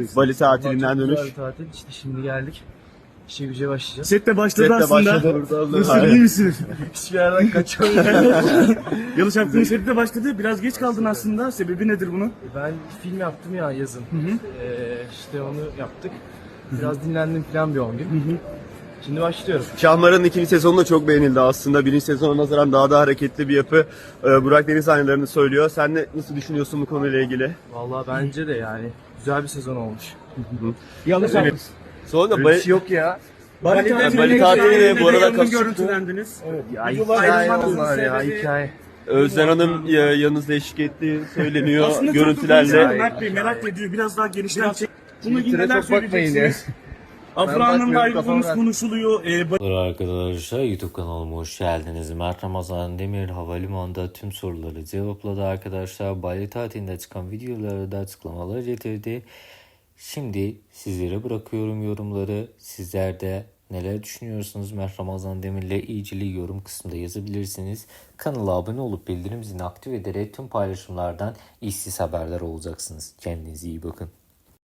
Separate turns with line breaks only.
Bali tatilinden
Çok
dönüş.
güzel bir tatil. İşte şimdi geldik. İşe güce başlayacağız.
Sette başladı
Sette
aslında.
başladı.
Nasıl, iyi misin?
Hiçbir yerden kaçamıyorum.
Yalı Çapkın'ın sette de başladı. Biraz geç kaldın aslında. Sebebi nedir bunun?
Ben film yaptım ya yazın. İşte onu yaptık. Biraz dinlendim falan bir 10 gün. Şimdi başlıyorum.
Şahmaran'ın ikinci sezonu da çok beğenildi aslında. Birinci sezona nazaran daha da hareketli bir yapı. Burak Deniz sahnelerini söylüyor. Sen ne, nasıl düşünüyorsun bu konuyla ilgili?
Vallahi bence de yani güzel bir sezon olmuş.
Yalı Çapkın.
Evet. Sonra da
Bir şey yok ya.
Bali tatili de bu arada kapıştı.
görüntülendiniz.
Ya
Videolar
hikaye
ayrılmanızın
onlar ya
sebebi-
hikaye.
Özden Hanım yanınızda eşlik ettiği söyleniyor
Aslında
görüntülerle.
çok da Mert Bey merak ediyor. Biraz daha genişten çek. Bunu
Twitter'a
neler
çok bakmayın
söyleyeceksiniz? Afra Hanım'la
bakmıyorum,
ayrıldığınız
kafam
konuşuluyor.
Merhaba arkadaşlar, YouTube kanalıma hoş geldiniz. Mert Ramazan Demir havalimanında tüm soruları cevapladı arkadaşlar. Bali tatilinde çıkan videoları da açıklamalar getirdi. Şimdi sizlere bırakıyorum yorumları. Sizler de neler düşünüyorsunuz Mert Ramazan Demir'le ilgili yorum kısmında yazabilirsiniz. Kanala abone olup bildirim zilini aktif ederek tüm paylaşımlardan işsiz haberdar olacaksınız. Kendinize iyi bakın.